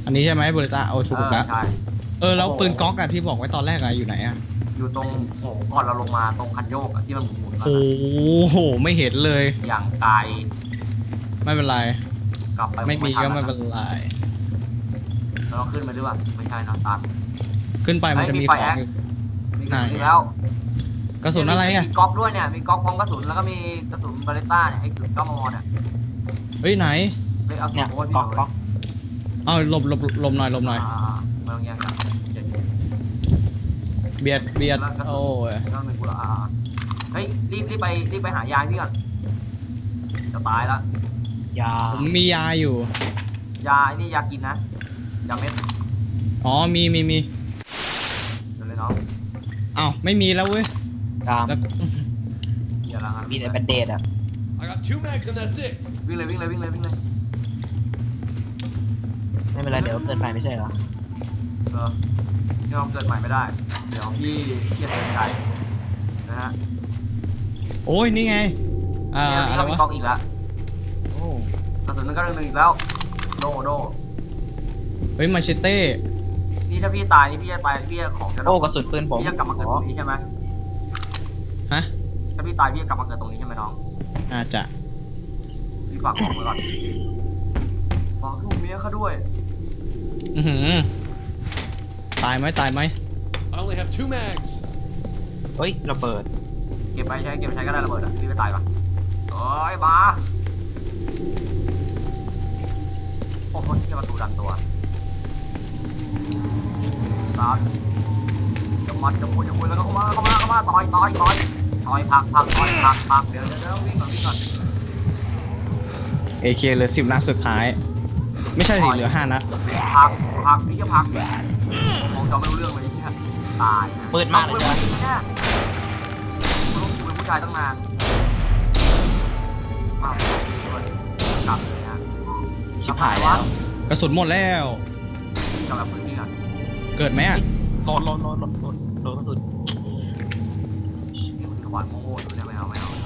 อันนี้ใช่ไหมเบอร์ต้าโอ้ถูกแล้วใช่แล้วปืนก๊อกอะที่บอกไว้ตอนแรกอะอยู่ไหนอะอยู่ตรงโอ้ก่อนเราลงมาตรงคันโยกที่มันหมุนๆโอ้โหไม่เห็นเลยอย่างไกลไม่เป็นไรกลับไปไม่มีก็ไม่เป็เป็น นไรเราขึ้นไปหรือเปล่าไม่ใช่นะตันขึ้นไปมันจะมีของอีกมีกระสุนอีกแล้วกระสุนอะไรอะมีก๊อกด้วยเนี่ยมีก๊อกพร้อมกระสุนแล้วก็มีกระสุนบาเลต้าเนี่ยไอ้กึ่ง9 มมเนี่ยเฮ้ยไหนเฮ้ยเอาเนี่ยโอ้ยพี่ก๊อกก๊อกเอาหลบหน่อยไม่ต้องแย่งกันเจ็ดเบียดโอ้ยต้องหนึ่งกูละเฮ้ยรีบไปหายาพี่ก่อนจะตายแล้วยาผมมียาอยู่ยาไอ้นี่ยากินนะยาเม็ดอ๋อมีเดี๋ยวเลยน้องอ้าวไม่มีแล้วเว้ยตามแล้วอย่าละงั้นมีแต่แบนเดดอ่ะ I got 2 mags and that's it. วิ่งเลยไม่เป็นไรเดี๋ยวเกินไปไม่ใช่เหรอพี่น้องเกิดใหม่ไม่ได้เดี๋ยวพี่เครียดเกินใจนะฮะโอ้ยนี่ไงเนี่ยพี่อะไรก็มีวะก๊อกอีกแล้วโอ้กระสุนมันก็1 อีกแล้วโดเฮ้ยมาเชเต้นี่ถ้าพี่ตายนี่พี่จะไปพี่จะของจะโอ้กระสุนปืนผมพี่จะกลับมาเกิดตรงนี้ใช่ไหมฮะถ้าพี่ตายพี่จะกลับมาเกิดตรงนี้ใช่ไหมน้องอาจจะพี่ฝากบอกไว้ก่อนบอกลูกเมียเขาด้วยอือหือตายไหม I only have 2 mags. เฮ้ยระเบิดเก็บไปใช้ก็ได้ระเบิดอ่ะพี่ไม่ตายปะโอ้ยมาโอ้โหที่ประตูดันตัวซัดจะมัดจะมุยแล้วก็เข้ามาต่อยพักเดี๋ยววิ่งก่อนเอเคเหลือ10 นัดสุดท้าย ไม่ใช่สิเหลือ5 นัดพักนี่จะพักผมจะไม่รู้เรื่องเลยที่ตายปืนมากเลยจ้ะเนี่ยลูกเป็นผู้ชายตั้งนานมากกลับเลยนะชิบหายแล้วกระสุนหมดแล้วกลับแบบพื้นที่ก่อนเกิดไหมอะโดนกระสุนนี่มันขวานโง่ๆอยู่เนี่ยไม่เอา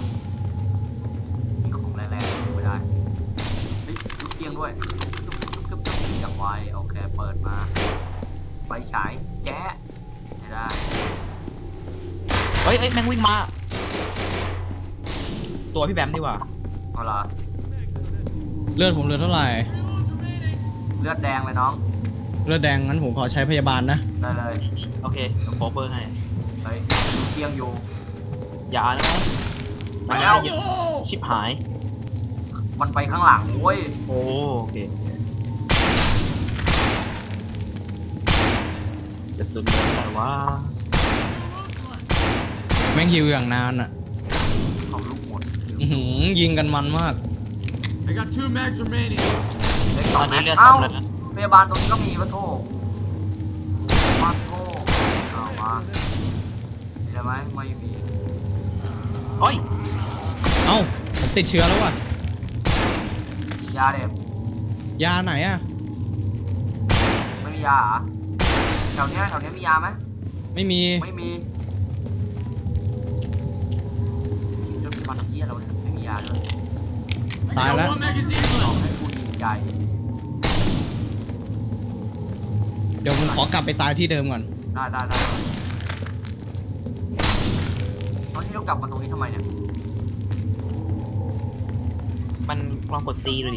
มีของแรงๆไม่ได้เฮ้ยลูกเตียงด้วยจุ๊บอย่างไวโอเคเปิดมาไฟฉายแก๊ะไม่ได้เฮ้ยแม่งวิ่งมาตัวพี่แบมดีกว่าเอาล่ะเลือดผมเหลือเท่าไหร่เลือดแดงเลยน้องเลือดแดงงั้นผมขอใช้พยาบาลนะได้เลยโอเคเดี๋ยวโคเวอร์ให้เฮ้ยลูกเตียงอยู่ยานะไปแล้วชิบหายมันไปข้างหลังเว้ยโอเคกระสุนอะไรวะแม่งฮิวอย่างนานอะเขาลูกหมดอื้อหือยิงกันมันมาก I got 2 mags remaining. เล็กตสออง นแม็นี้กเลือดเอ้าสำแล้วนะพยาบาลตรงนี้ก็มีปะโถมาโถเอามามีอะไรไหมไม่มีเฮ้ยเอ้าผมติดเชื้อแล้วว่ะยาเด็บยาไหนอะไม่มียาเหรอแถวเนี้ยมียาไหมไม่มีไม่มีคิดว่าเป็นปันเทียเราเนี่ยไม่มียาเลย I Bye, got lad. 1 magazine ลอง left. ให้กูยิงใหญ่เดี๋ยวผมขอกลับไปตายที่เดิมก่อนได้ตอนที่เรากลับมาตรงนี้ทำไมเนี่ยมันลองกด C ดูดิ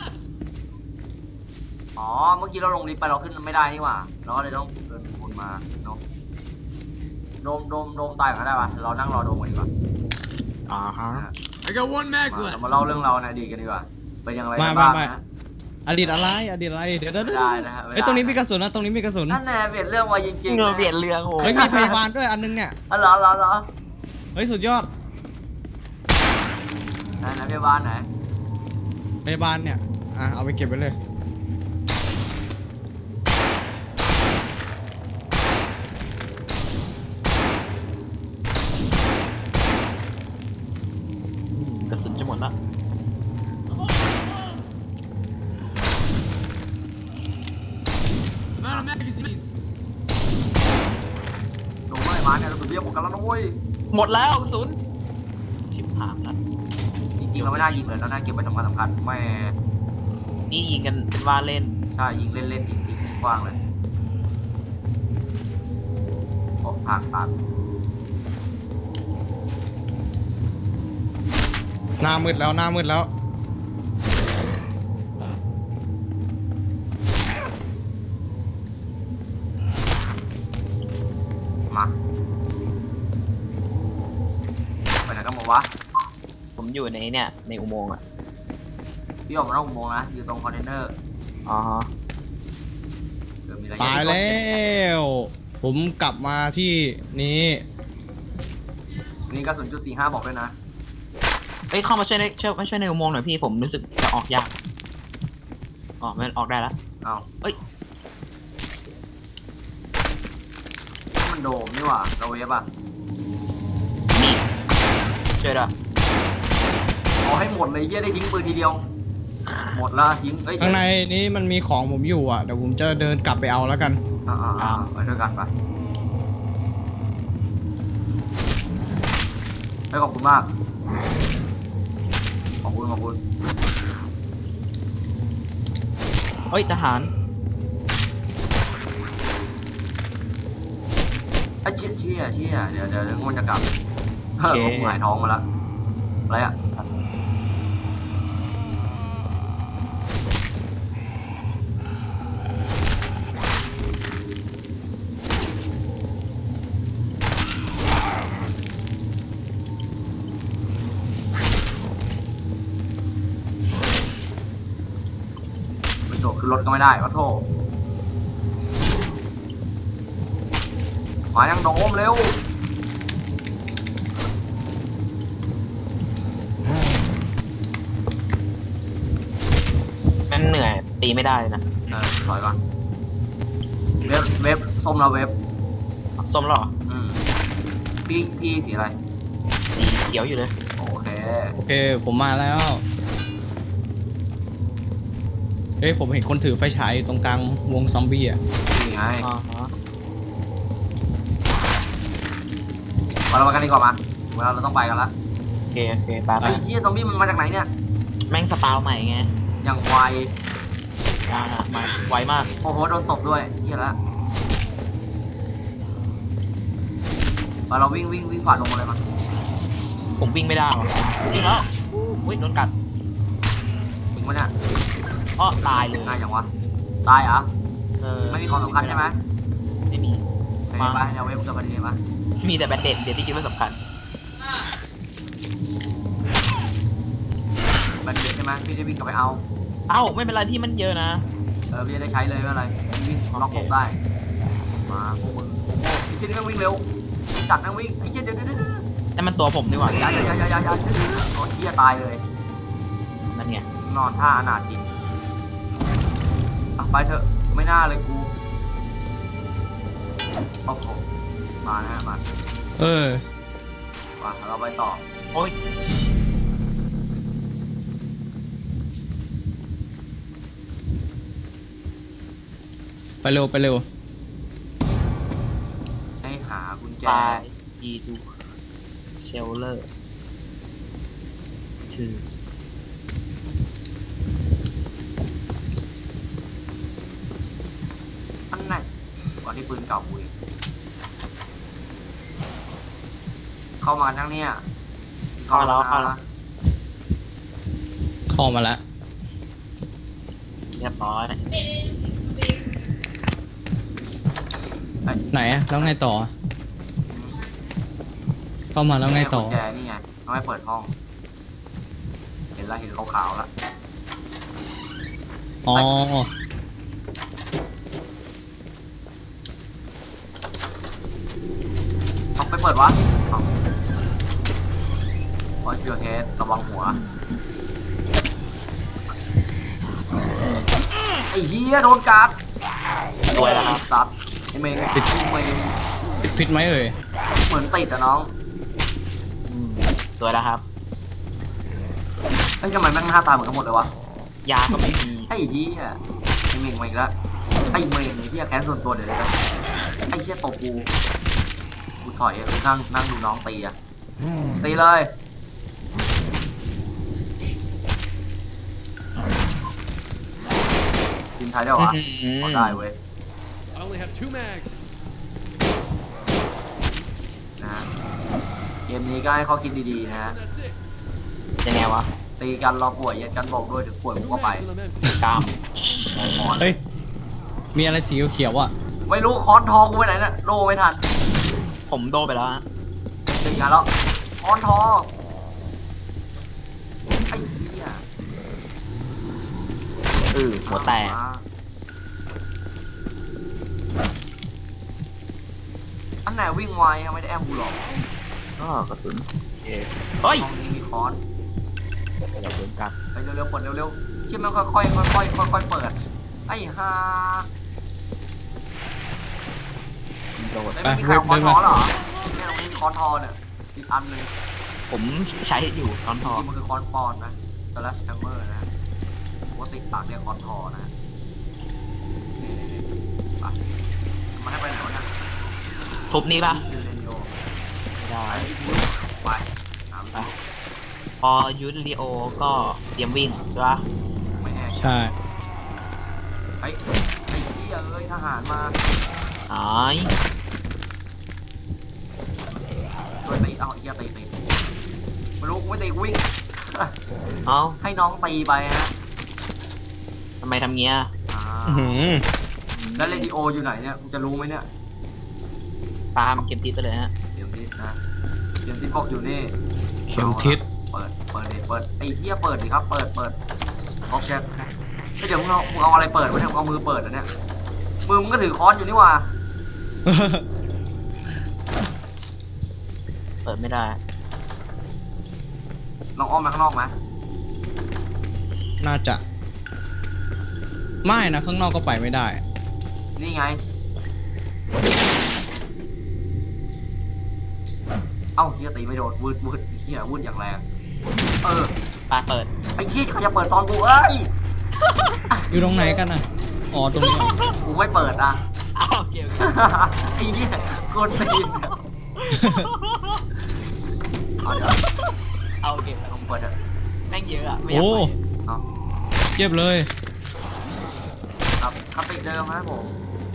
อ๋อ เมื่อกี้เราลงลิฟต์ไปเราขึ้นไม่ได้นี่หว่าเราก็เลยต้องเดินวนมาเนาะโดมตายกันได้ปะเรานั่งรอโดมกันดีกว่าฮะ I got 1 mag เรา left. มาเล่าเรื่องเราในอดีตกันดีกว่า เป็นยังไงมากันบ้างมานะอดีตอะไรเดี๋ยวไม่ได้นะฮะไม่ได้เฮ้ยตรงนี้มีกระสุนนะตรงนี้มีกระสุนนั่นแน่เปลี่ยนเรื่องมาจริงๆเงาเปลี่ยนเรื่องโอ้เฮ้ยมีพยาบาลด้วยอันนึงเนี่ยอ๋อเหรอเฮ้ยสุดยอดไหนพยาบาลไหนพยาบาลเนี่ยเอาไปเก็บไว้เลยกระสุนจะหมดละ I'm out of magazines. โดมไม่มาเนี่ยเราสุดเบี้ยหมดกันแล้วนะเว้ยหมดแล้วกระสุนชิบหายละจริงๆเราไม่น่ายิงเลยเราน่าเก็บไว้สำคัญแม่นี่ยิงกันเป็นว่าเล่นใช่ยิงเล่นๆยิงกว้างเลยโอ้ทางตันหน้ามืดแล้วหน้ามืดแล้วมาไปไหนกันหมดวะผมอยู่ในเนี่ยในอุโมงค์อ่ะพี่ออกมานอกอุโมงค์นะอยู่ตรงคอนเทนเนอร์อ๋อฮะเดี๋ยวมีอะไรตายแล้ว ผมกลับมาที่นี้นี่กระสุนจุด45บอกด้วยนะเอ้ยเข้ามาช่วยในในอุโมงค์หน่อยพี่ผมรู้สึกจะออกยากอ๋อมันออกได้แล้วอ้าวเอ้ยนี่มันโดมนี่หว่าเราเวฟอ่ะนี่ช่วยด้วยเอาให้หมดเลยเฮียได้ทิ้งปืนทีเดียว หมดละทิ้งเอ้ยข้างในนี้มันมีของผมอยู่อ่ะเดี๋ยวผมจะเดินกลับไปเอาแล้วกันไปด้วยกันไปให้ขอบคุณมาก ขอบคุณเอ้ยทหารไอ้เชี่ยเดี๋ยวมันจะกลับผมหงายท้องมาละอะไรอ่ะไม่โดดขึ้นรถก็ไม่ได้วะโทษมายังโดมเร็วมันเหนื่อยตีไม่ได้เลยนะถอยก่อนเว็บส้มแล้วเว็บส้มแล้วเหรอพี่สีอะไรสีเขียวอยู่เลยโอเคโอเคผมมาแล้วเฮ้ยผมเห็นคนถือไฟฉายอยู่ตรงกลางวงซอมบี้อ่ะนี่ไงอ๋อฮะเราไปกันดีกว่ามาเวลาเราต้องไปกันละโอเคไปไอ้เหี้ยซอมบี้มันมาจากไหนเนี่ยแม่งสปาวใหม่ไงอย่างไวมาไวมากโอ้โหโดนตบด้วยเหี้ยละเราวิ่งฝ่าลงมาเลยมาผมวิ่งไม่ได้หรอวิ่งแล้วอุ้ยโดนกัดจริงปะเนี่ยอ้อตายเลยง่ายจังวะตายเหรอเไม่มีของสำคัญใช่ไหมไม่มีโอเคไปเดี๋ยวเว็บกับประเด็นมามีแต่แบตเด็ดเดี๋ยวที่คิดว่าสำคัญบันเด็ใช่ไหมพี่จะวิ่งกลับไปเอาเอ้าไม่เป็นไรที่มันเยอะนะพี่จะได้ใช้เลยไม่เป็นไรวิ่งล็อกหลบได้มาพวกมึงไอ้เชี่ยนี่แม่งวิ่งเร็วไอ้สัตว์แม่งวิ่งไอ้เชี่ยเดี๋ยวแต่มันตัวผมดีกว่าอย่าโอ้เชี่ยตายเลยนั่นไงนอนท่าอนาถจริงไปเถอะไม่น่าเลยกูโอ้โหมานะมา มาเราไปต่อโอ้ยไปเร็วไปเร็วให้หากุญแจปลายยีดูเชลเลอร์คืออันไหนก่อนที่ปืนเก่ากูอีกเข้ามาทั้งเนี่ยเข้าแล้วเข้ามาแล้วเรียบร้อยไหนอะแล้วไงต่อ เข้ามาแล้วไงต่อกุญแจนี่ไงเอาไว้เปิดห้อง เห็นขาวๆแล้วอ๋อเอาไปเปิดวะเอาพอเจอเฮดระวังหัวไอ้เหี้ยโดนกัดสวยแล้วครับซัดไอ้เมงติดเมงติดพิษไหมเอ่ยเหมือนติดอะน้องสวยแล้วครับเฮ้ยทำไมแม่งหน้าตาเหมือนกันหมดเลยวะยาก็ไม่มีไอ้เหี้ยไอ้เมงมาอีกแล้วไอ้เมงไอ้เหี้ยแค้นส่วนตัวเดี๋ยวเลยนะไอ้เหี้ยตบกูถอยอะกูนั่งดูน้องตีอะตีเลยทีมไทยได้เหรอวะเอาได้เว้ย I only have 2 mags. นะฮะเกมนี้ก็ให้เขาคิดดีๆนะฮะ That's it. ยังไงวะตีกันรอป่วยยัดกันบอกด้วยถึงป่วยกู 2 ก็ไป mags and I'm empty. กล้ามเฮ้ย มีอะไรสีเขียวๆอ่ะไม่รู้ค้อนทองกูไปไหนน่ะโลไม่ทันผมโดนไปแล้วฮะตีกันแล้วค้อนทองไอ้เหี้ยหัวแตกอันไหนวิ่งไวอะไม่ได้แอมกูหรอกก็กระสุนเฮ้ยห้องนี้มีค้อนอย่าเดินกลับไปเร็วๆเปิดเร็วๆชิมมันค่อยๆค่อยๆค่อยๆเปิดไอ้ห่าโดดไม่มีใครเอาค้อนทอเหรอเนี่ยตรงนี้มีค้อนทอเนี่ยอีกอันหนึ่งผมใช้อยู่ตอนทจอริงๆมันคือค้อนปอนนะ slash hammer นะปกติปากเรียกค้อนทอนะไปมาให้ไปไหนวะเนี่ยทุบนี้ป่ะยูเรนโยไม่ได้ไปหาไปพอยูริโอก็เตรียมวิ่งใช่ปะไม่แอบใช่ไอ้เหี้ยเอ้ยทหารมาหายโดยตีเอาเหี้ยตีไม่รู้กูไม่ตีกูวิ่งเอ้าให้น้องตีไปฮะทำไมทำเงี้ยอ่าอื้อหือแล้วเรดิโออยู่ไหนเนี่ยกูจะรู้ไหมเนี่ยตามเก็บทิศไปเลยฮะเดี๋ยวทิศนะเดี๋ยวทิศบอกอยู่นี่เข็มทิศเปิดไอ้เหี้ยเปิดดิครับเปิดโอเคเดี๋ยวมึงเอาอะไรเปิดวะเนี่ยมึงเอามือเปิดเหรอเนี่ยมือมึงก็ถือค้อนอยู่นี่หว่าเปิดไม่ได้ลองอ้อมมาข้างนอกไหมน่าจะ ไม่นะ ข้างนอกก็ไปไม่ได้นี่ไงเอ้าเหี้ยตีไม่โดนวืดเหี้ยวืดอย่างแรงเออปาเปิดไอ้เหี้ยเขาจะเปิดซอนกูเอ้ยอยู่ตรงไหนกันน่ะ อ๋อ ตรงนี้เหรอกูไม่เปิดอ่ะอ้าวโอเคโอเคไอ้เหี้ยโคตรตีนอะเอาเดี๋ยวเอาโอเคลองเปิดเถอะแม่งเยอะอะไม่อยากโอ้ไปเอาเยียบเลยครับคติเดิมครับผม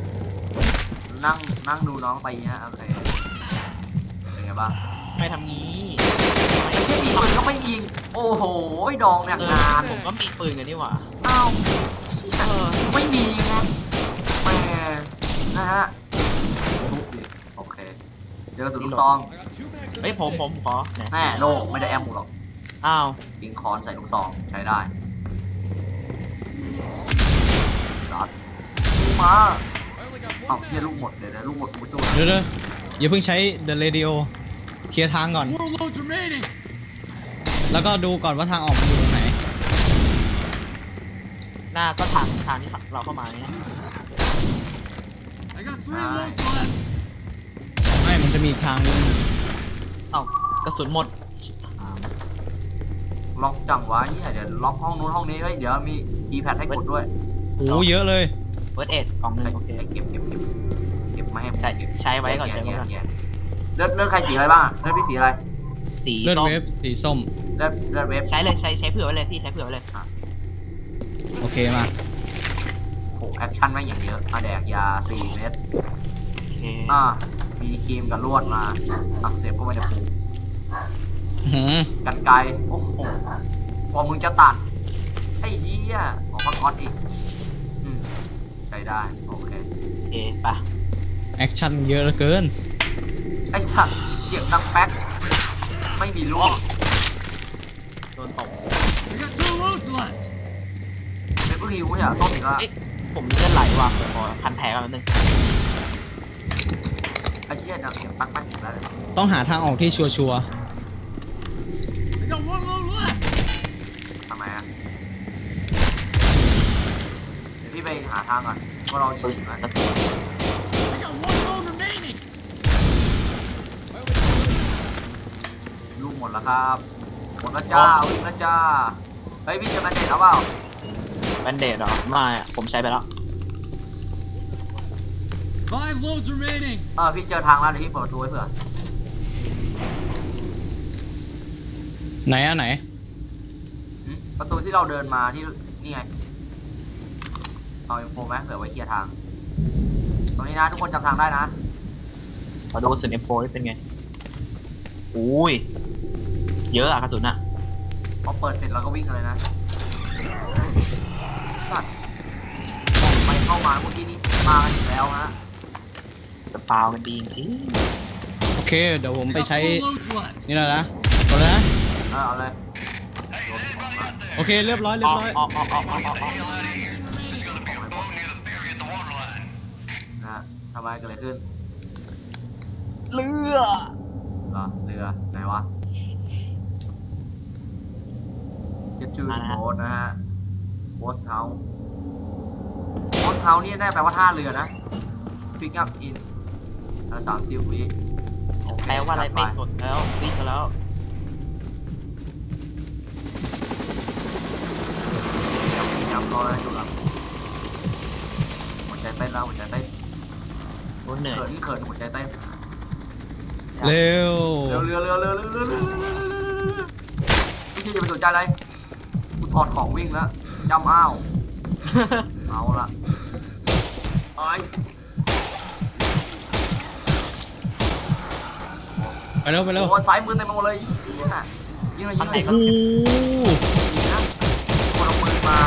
นั่งดูน้องตีฮะโอเคเป็นไงบ้างไม่ทำงี้ไอ้เหี้ยดีมันก็ไม่ยิงโอ้โหดองอย่างงานผมก็มีปืนกันนี่หว่าอ้าวไม่มีไงแหมนะฮะทุบดิโอเคเจอสุดลูกซอง I got 2 mags and เฮ้ย that's ผม it. ขอไหนแน่โล่ไม่ได้แอมกูหรอกอ้าวยิงคอนใส่ลูกซองใช้ได้สัตว์มา I only got เอ้า 1 เหี้ย mag. ลูกหมดเดี๋ยวลูกหมดกูจุ้เดี๋ยวอย่าเพิ่งใช้ The Radio เคลียร์ทางก่อน 4 loads remaining. แล้วก็ดูก่อนว่าทางออกมันอยู่ตรงไหนหน้าก็ทางที่เราเข้ามาเนี่ย I got 3 loads left. ไม่ มันจะมีอีกทางนึงเอ้ากระสุนหมดล็อกจังวะเหี้ยเดี๋ยวล็อกห้องนู้นห้องนี้เฮ้ยเดี๋ยวมีคีย์แพดให้กดด้วยโอ้เยอะเลยเฟิร์สเอ็ดกล่องหนึงไอ้โอเคไอ้เก็บมาให้ใช้ไว้ก่อนใช้ไว้ก่อนเลือดใครสีอะไรบ้างเลือดพี่สีอะไรสีเลือดส้มเวฟสีส้มเลือดเวฟใช้เลยใช้เผื่อไว้เลยพี่ใช้เผื่อไว้เลยโอเคมาโหแอคชั่นไม่อย่างเยอะแดกยา4 เม็ดโอเคมีครีมกับลวดมาเสพก็ไม่ได้ปลูกอื้อหือกันไกรโอ้โหพอมึงจะตัดไอ้เหี้ยออกมาก๊อตอีกใช้ได้โอเคโอเคไปะแอคชั่นเยอะเหลือเกินไอ้สัตว์เสียงดังแป๊กไม่มีลูกโดนตบ I got 2 loads left. เป็นผู้หิวไม่ใช่เหรอส้มอีกแล้วเอ๊ะผมเลือดไหลว่ะขอพันแผลกันแป๊บนึงไอ้เหี้ยดังเสียงปักอีกแล้วต้องหาทางออกที่ชัวร์ I got 1 load left. ทำไมอ่ะเดี๋ยวพี่ไปหาทางก่อนว่าเรายิปืนงไหมกระสุน I got 1 load remaining. ลูกหมดแล้วครับหมดแล้วจ้าวิ่งแล้วจ้าเฮ้ยพี่จะมาเด็ดเอาเปล่าแบนเดดเหรอไม่อะผมใช้ไปแล้ว 5 loads remaining. พี่เจอทางแล้วเดี๋ยวพี่เปิดประตูไว้เผื่อๆไหนอะไหนประตูที่เราเดินมาที่นี่ไงเอาอินโฟไหมเผื่อไว้เคลียร์ทาง ตรงนี้นะทุกคนจำทางได้นะขอดูกระสุน M4 นี่เป็นไงอุ้ยเยอะอะกระสุนอะพอเปิดเสร็จเราก็วิ่งกันเลยนะสัตว์ไปเข้ามาเมื่อกี้นี้มากันอีกแล้วฮะสปาวกันดีจริงโอเค เดี๋ยวผม I ไป got ใช้ 4 loads left. นี่แล้วนะกดแล้วนะเอาเลยโอเคเรียบร้อยๆเรียบร้อยออกนะฮะทำไมเกิดอะไรขึ้นเรือเหรอเรือไหนวะ Get to the boat นะฮะ Boat House Boat House นี่ได้แปลว่าท่าเรือนะ Pick up in 30 วิโอเคแปลว่าอะไรไม่สดแล้ววิ่งกันแล้วยำรออะไรอยู่ครับหัวใจเต้นแล้วหัวใจเต้นโอ้เหนื่อยเขินหัวใจเต้นเร็วเรือพี่ที่จะไปสนใจอะไรกูถอดของวิ่งแล้วจำอ้าว เอาละไอ้ไปเร็วไปเร็วโอ้สายมือเต็มไปหมดเลยยิงหน่อยยิงหน่อยโอ้โหยิงนะคนเอาปืนมา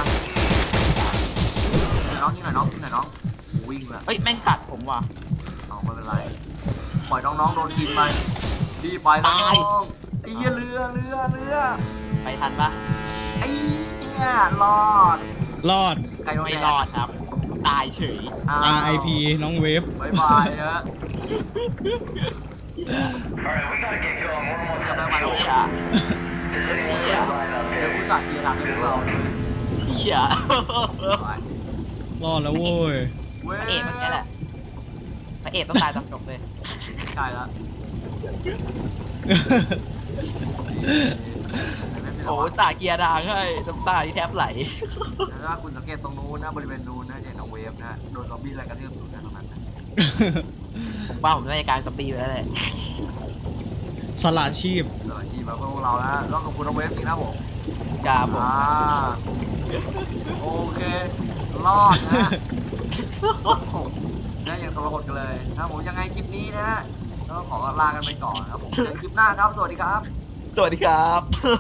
ยิงหน่อยน้องวิ่งแล้วเอ้ยแม่งกัดผมว่ะเอาไม่เป็นไรปล่อยน้องๆโดนกินไปดีไปน้องไอ้เหี้ยเรือไปทันปะไอ้เนี่ยรอดรอดใครโดนไม่แดรอดครับ ตายเฉย RIP น้องเวฟบายบายฮะ Alright, we gotta get going. We're almost จะ at ได้ the มา fuel. ดูเชี่ย Does anyone else line up เดี๋ยว here? ผู้สาห์ทีทำให้พวกเราเชี่ยไปรอดแล้วโว้ยเว้ยพระเอกมันแค่แหละพระเอกต้องตายตอนจบเลยใช่แล้วโอ้ตาเกียร์ดางให้น้ำตาที่แทบไหลถ้าคุณสังเกตตรงนู้นนะบริเวณนู้นนะจะเห็นน้องเวฟนะโดนซอมบี้อะไรกระทืบอยู่นะตรงนั้นนะผมว่าผมน่าจะกลายเป็นสปีไปแล้วแหละสละชีพตลอดชีพมาเพื่อพวกเรานะก็ขอบคุณน้องเวฟจริงนะผมจ้าผมโอเค รอดนะนะยังทรหดกันเลยนะผมยังไงคลิปนี้นะฮะก็ขอลากันไปก่อนครับผมเจอกันคลิปหน้าครับ สวัสดีครับสวัสดีครับ